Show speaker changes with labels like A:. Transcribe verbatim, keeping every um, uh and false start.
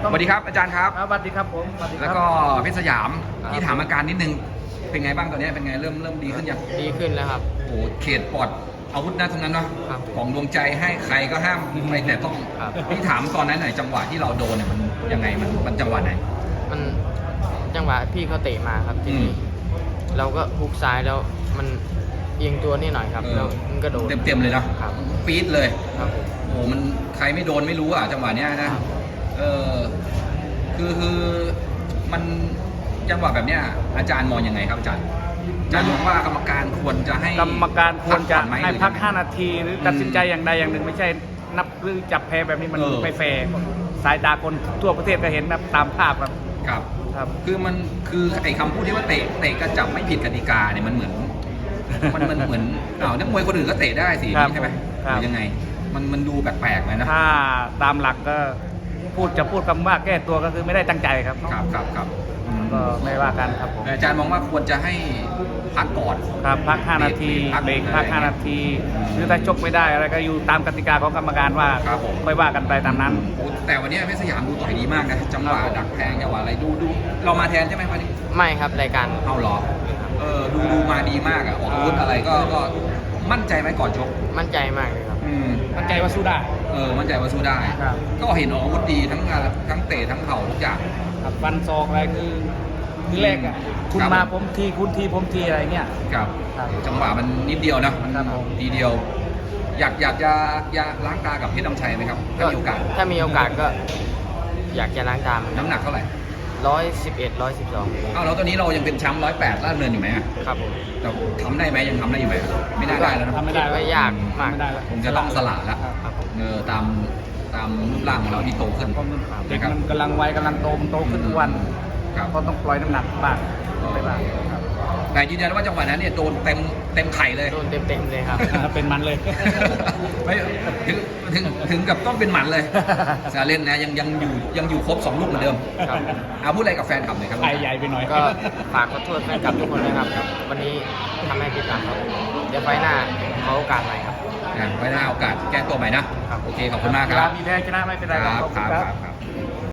A: สวัสดีครับอาจารย์ครับ
B: สวัสดีครับผมสวัสดีครับ
A: แล้วก็เพชรสยามที่ถามอาการนิดนึงเป็นไงบ้างตอนนี้เป็นไงเริ่มเริ่มดีขึ้นยัง
C: ดีขึ้นแล้วครับ
A: โอ้เขตปลอดอาวุธนะตรงนั้นเนาะ
C: ครับ
A: ของดวงใจให้ใครก็ห้ามไปแต่ต้อง
C: ครับ
A: พี่ถามตอนนั้นหน่อยจังหวะที่เราโดนเนี่ยมันยังไงมันมันจังหวะไหน
C: มันจังหวะพี่เขาเตะมาครับที
A: อื
C: นี้
A: ม
C: เราก็ฮุกซ้ายแล้วมันเอียงตัวนิดหน่อยครับ
A: เออ
C: แล้วมันก็โดน
A: เต็มเต็มๆเลยเนาะ
C: ครับ
A: ปี๊ดเลย
C: ครับผม
A: โอ้มันใครไม่โดนไม่รู้อ่ะจังหวะเนี้ยนะครับ เออคือคือมันจังหวะแบบเนี้ยอาจารย์มองยังไงครับอาจารย์อาจารย์มองว่ากรรมการควรจะให้
B: กรรมการควรจะ
A: พักก่อนไม
B: ให้
A: รือ
B: พัก
A: ยังไง
B: ห้า นาทีหรือตัดสินใจอย่างใดอย่างหนึ่งไม่ใช่นับหรือจับแพ้แบบนี้มัน
A: เออ
B: ไม่แฟร์สายตาคนทั่วประเทศก็เห็นนะตามภาพครับ
A: ครับ
B: ครับ
A: คือมันคือไอ้คำพูดที่ว่าเตะเตะกระจับไม่ผิดกติกาเนี่ยมันเหมือน มันมันเหมือนอ้าวนักมวยคนอื่นก็เตะได้สิ
B: ครับ
A: ใช่ไหม
B: ครับ
A: หรือยังไง มันมันดูแปลกๆเลยนะ
B: ถ้าตามหลักก็พูดจะพูดคำว่าแก้ตัวก็คือไม่ได้ตั้งใจครับ
A: ครับครับครับอืม
B: ก็ไม่ว่ากันครับผม
A: แต่อาจารย์มองว่าควรจะให้พักก่อน
B: ครับพัก ห้า นาที
A: พัก
B: เบรกพัก
A: อะไร
B: ห้า นาที หรือถ้าชกไม่ได้อะไรก็อยู่ตามกติกาของกรรมการว่า
A: ครับผม
B: ไม่ว่ากันไปตามนั้น
A: โอ้แต่วันนี้เพชรสยามดูต่อยดีมากนะจังหวะ
B: ครับผม
A: ดักแทงจังหวะอะไรดูดูเรามาแทนใช่ไหมวันนี้
C: ไม่ครับรายการ
A: เอาเหรอเออดูดูมาดีมากอ่ะออกอาวุธอะไรก็ก็มั่นใจไหมก่อนชก
C: มั่นใจมากเลยครับ
A: อืม
B: มั่นใจว่าสู้ได้
A: เออมั่นใจว่าสู้ได้
B: ครับ
A: ก็เห็นออกอาวุธดีทั้งงานทั้งเตะทั้งเข่าทุกอย่าง
B: ครับฟันศอกอะไรคือคือแรกอ่ะคุณ
A: ครับ
B: มาผมทีคุณทีผมทีอะไรเงี้ย
A: ครับ
B: ครับ
A: จังหวะมันนิดเดียวนะมัน
B: ครับผม
A: ทีเดียว อยากอยากจะอยากล้างตากับเพชรน้ำชัยไหมครับถ้ามีโอกาส
C: ถ้ามีโอกาสก็ อยากจะล้างตาม
A: น้ำหนักเท่าไหร่
C: ร้อยสิบเอ็ดร้อยสิบสอง
A: อ้าวแล้วตอนนี้เรายังเป็นแชมป์ร้อยแปดล่าดเนินอยู่ไหมอะ
C: ครับผม
A: แต่ทำได้ไหมยังทำได้อยู่ไหมไม่น่าได้แล้วนะ
B: ทำไม่ได้
C: ก็ยากมาก
B: ไม่ได้แล้ว
A: คงจะต้องสละแล้ว
C: ครับผม
A: เออตามตามรูปร่างของเราที่โตขึ้น
B: เพราะมันเด็ก
A: นะครับ
B: มันกำลังวัยกำลังโตมันโตขึ้นทุกวัน
A: ครับ
B: ก็ต้องปล่อยน้ำหนักบ้างไปบ้างครับ
A: แต่ยืนยันว่าจังหวะนั้นเนี่ยโดนเต็มเต็มไข่เลย
C: โดนเต็มๆเลยครับ
B: เป็นมันเลย
A: ไม่ถึงถึงถึงกับต้องเป็นหมันเลยซาเล่นนะยังยังอยู่ยังอยู่ครบสองลูกเหมือนเดิม
C: ครับ
A: เอาพูดอะไรกับแฟนคลับหน่อยครับ
B: ไข่ใหญ่ไปหน่อย
C: ก็ฝากขอโทษแฟนคลับทุกคนนะครับ วันนี้ทำให้ผิดหวังครับเดี๋ยวไฟล์หน้าขอโอกาสใหม่ครับ
A: อ่ะไว้หน้าโอกาสแก้ตัวใหม่นะครับ โอเคขอบคุณมากค
B: เว
A: รั
B: ลา
A: บ
B: มีแพ้ชนะไม่เป็นไร
A: ครับ
B: ขอบ
A: ค
B: ณ
A: รับครับครับ